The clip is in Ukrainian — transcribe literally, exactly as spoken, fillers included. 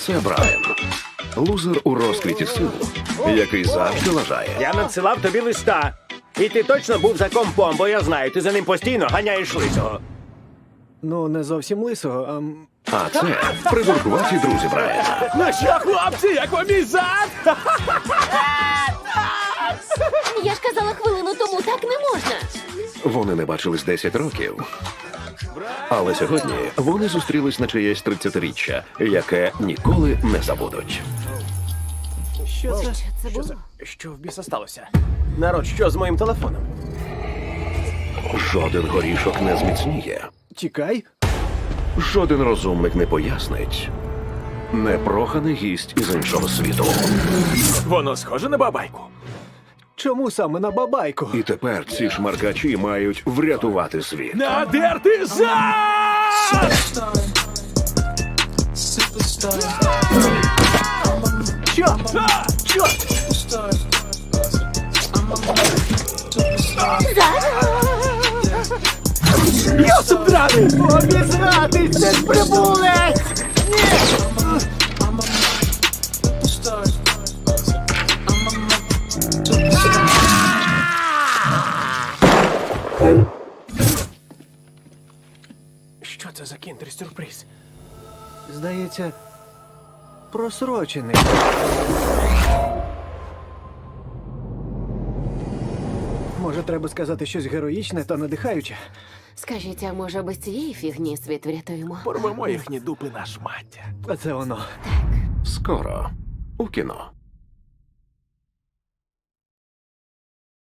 Це Брайан. Лузер у розквіті сил, який завжди лажає. Я надсилав тобі листа. І ти точно був за компом, бо я знаю, ти за ним постійно ганяєш лисого. Ну, не зовсім лисого, а... м, А це придуркуваті друзі Брайана. Ну що, хлопці, як вам мій зад? Я ж казала хвилину тому, так не можна. Вони не бачились десять років. Але сьогодні вони зустрілись на чиєсь тридцятиріччя, яке ніколи не забудуть. Що це? Що це було? Що в біса сталося? Народ, що з моїм телефоном? Жоден горішок не зміцніє. Тікай. Жоден розумник не пояснить. Непроханий гість із іншого світу. Воно схоже на бабайку. Чому саме на бабайку? І тепер ці шмаркачі мають врятувати світ. Надерти зад! Що? Що? Йосип драний! Обізватись, це ж прибулець! Що це за кіндер-сюрприз? Здається, просрочений. Може, треба сказати щось героїчне та надихаюче? Скажіть, а може без цієї фігні світ врятуємо? Порвемо їхні дупи на шмаття. А це воно. Скоро у кіно.